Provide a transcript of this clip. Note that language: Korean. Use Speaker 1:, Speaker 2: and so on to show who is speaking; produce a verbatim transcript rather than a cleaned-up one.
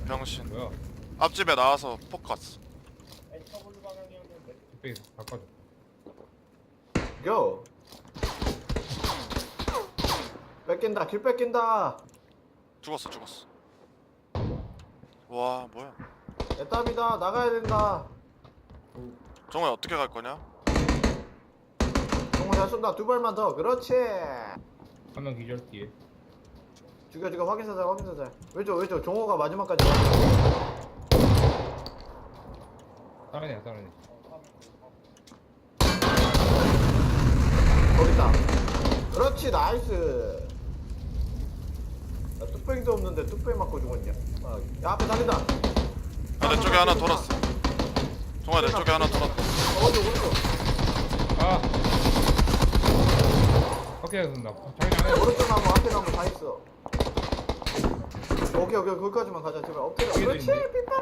Speaker 1: 병신.
Speaker 2: 뭐야?
Speaker 1: 앞집에 나와서 폭 갔어.
Speaker 2: 뚝배기 바꿔줘.
Speaker 3: 고! 뺏긴다 길 뺏긴다.
Speaker 1: 죽었어 죽었어. 와 뭐야?
Speaker 3: 애답이다 나가야 된다.
Speaker 1: 정우야 어떻게 갈 거냐?
Speaker 3: 정우 잘 쏜다 두 발만 더 그렇지.
Speaker 2: 한 명 기절 뒤에.
Speaker 3: 죽여 죽여 확인사살 확인사살. 왼쪽 왼쪽 종호가 마지막까지.
Speaker 2: 다른 애야 다른 애.
Speaker 3: 거기 있다. 그렇지 나이스. 나 뚝배기도 없는데 뚝배기 맞고 죽었냐. 아, 야 앞에 달린다.
Speaker 1: 아, 내 쪽에 하나 돌았어. 정우야 내 쪽에 하나 돌았다.
Speaker 3: 오른쪽 오른쪽.
Speaker 2: 아. 오케이 쏜다. 자기 안에.
Speaker 3: 오른쪽 나무 앞에 나무 다 있어. 오케이 오케이 거기까지만 가자 제발 엎드려.
Speaker 2: 뒤에도
Speaker 3: 그렇지
Speaker 2: 있네.
Speaker 3: 삐빠.